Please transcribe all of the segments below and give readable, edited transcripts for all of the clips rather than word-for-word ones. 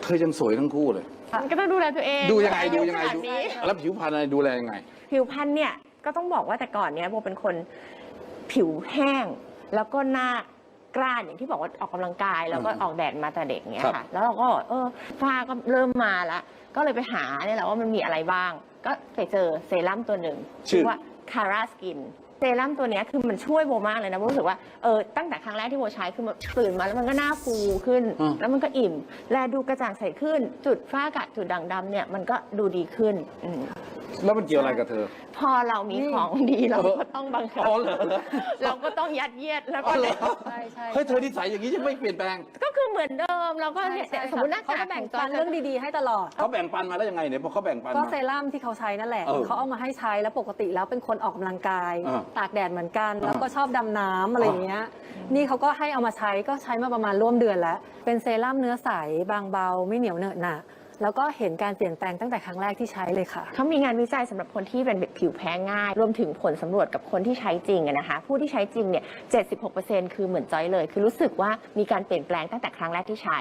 ธอยังสวยทั้งคู่เลยก็ต้องดูแลตัวเองดูยังไงนี้แล้วผิวพรรณอะไรดูแลยังไงผิวพรรณเนี่ยก็ต้องบอกว่าแต่ก่อนเนี้ยโบเป็นคนผิวแห้งแล้วก็หน้ากร้านอย่างที่บอกว่าออกกำลังกายแล้วก็ออกแดดมาแต่เด็กเนี้ยค่ะแล้วเราก็ฝ้าก็เริ่มมาแล้วก็เลยไปหาเนี่ยแหละว่ามันมีอะไรบ้างก็ไปเจอเซรั่มตัวหนึ่งชื่อว่า Cara Skin เซรั่มตัวนี้คือมันช่วยโบมากเลยนะโบรู้สึกว่าตั้งแต่ครั้งแรกที่โบใช้คือตื่นมาแล้วมันก็หน้าฟูขึ้นแล้วมันก็อิ่มแลดูกระจ่างใสขึ้นจุดฝ้ากระจุดด่างดำเนี่ยมันก็ดูดีขึ้นแล้วมันเกี่ยวอะไรกับเธอพอเรามีของดีเราก็ต้องบังคับเราก็ต้องยัดเยียดแล้วก็ใช่เฮ้ยเธอนิสัยอย่างนี้จะไม่เปลี่ยนแปลงก็คือเหมือนเดิมเราก็สมมติหน้าเขาแบ่งปันเรื่องดีๆให้ตลอดเขาแบ่งปันมาแล้วยังไงเนี่ยพอเขาแบ่งปันก็เซรั่มที่เขาใช้นั่นแหละเขาเอามาให้ใช้แล้วปกติแล้วเป็นคนออกกำลังกายตากแดดเหมือนกันแล้วก็ชอบดำน้ำอะไรอย่างเงี้ยนี่เขาก็ให้เอามาใช้ก็ใช้มาประมาณร่วมเดือนแล้วเป็นเซรั่มเนื้อใสบางเบาไม่เหนียวเหนอะหนะแล้วก็เห็นการเปลี่ยนแปลงตั้งแต่ครั้งแรกที่ใช้เลยค่ะเขามีงานวิจัยสำหรับคนที่เป็นผิวแพ้ง่ายรวมถึงผลสำรวจกับคนที่ใช้จริงนะคะผู้ที่ใช้จริงเนี่ย 76% คือเหมือนจอยเลยคือรู้สึกว่ามีการเปลี่ยนแปลงตั้งแต่ครั้งแรกที่ใช้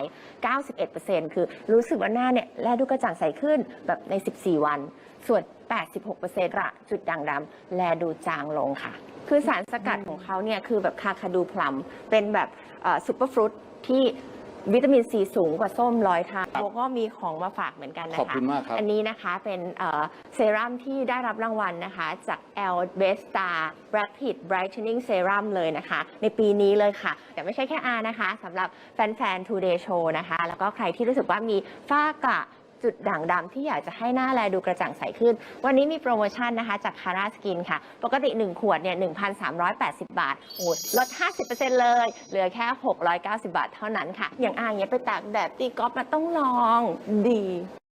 91% คือรู้สึกว่าหน้าเนี่ยแลดูกระจ่างใสขึ้นแบบใน 14 วันส่วน 86% ละจุดด่างดำแลดูจางลงค่ะคือสารสกัดของเขาเนี่ยคือแบบคาคาดูพลัมเป็นแบบซุปเปอร์ฟรุตที่วิตามินซีสูงกว่าส้ม100 เท่าโบก็มีของมาฝากเหมือนกันนะคะขอบคุณมากครับอันนี้นะคะเป็นเซรั่มที่ได้รับรางวัลนะคะจาก L Best Star Rapid Brightening Serum เลยนะคะในปีนี้เลยค่ะแต่ไม่ใช่แค่นะคะสำหรับแฟนๆ Today Show นะคะแล้วก็ใครที่รู้สึกว่ามีฝ้ากระจุดด่างดำที่อยากจะให้หน้าแลดูกระจ่างใสขึ้นวันนี้มีโปรโมชั่นนะคะจาก Cara Skin ค่ะปกติ 1 ขวดเนี่ย 1,380 บาทโอ้ลด 50% เลยเหลือแค่ 690 บาทเท่านั้นค่ะอย่างอย่างเงี้ยไปตากแดดตีกอล์ฟมาต้องลองดี